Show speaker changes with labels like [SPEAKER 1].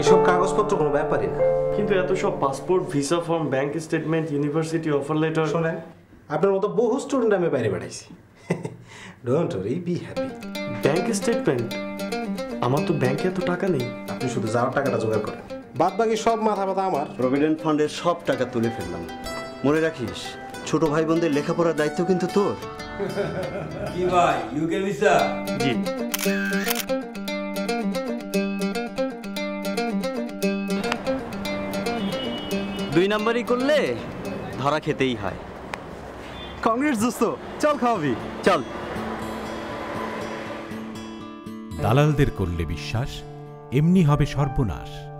[SPEAKER 1] এইসব কাগজপত্র কোনো ব্যাপারই না।
[SPEAKER 2] কিন্তু এত সব passport, visa form, bank statement, university offer letter.
[SPEAKER 1] শোনেন, আপনার মতো বহু স্টুডেন্ট আমি বাইরে পাঠাইছি। Don't worry, be happy.
[SPEAKER 2] Bank statement? আমার তো ব্যাংকে এত টাকা নেই।
[SPEAKER 1] আপনি শুধু যাওয়ার টাকাটা জোগাড় করেন, বাদ বাকি সব মাথা ব্যথা আমার।
[SPEAKER 3] প্রভিডেন্ট ফান্ডের সব টাকা তুলে ফেললাম। মনে রাখিস, ছোট ভাই বোনদের লেখাপড়ার দায়িত্ব কিন্তু তোর।
[SPEAKER 4] কি ভাই, ইউকে ভিসা?
[SPEAKER 2] জি।
[SPEAKER 3] দুই নাম্বারই করলে ধরা খেতেই হয়।
[SPEAKER 5] কংগ্রেস দোস্ত, চল খাওয়াবি,
[SPEAKER 3] চল।
[SPEAKER 6] দালালদের করলে বিশ্বাস, এমনি হবে সর্বনাশ।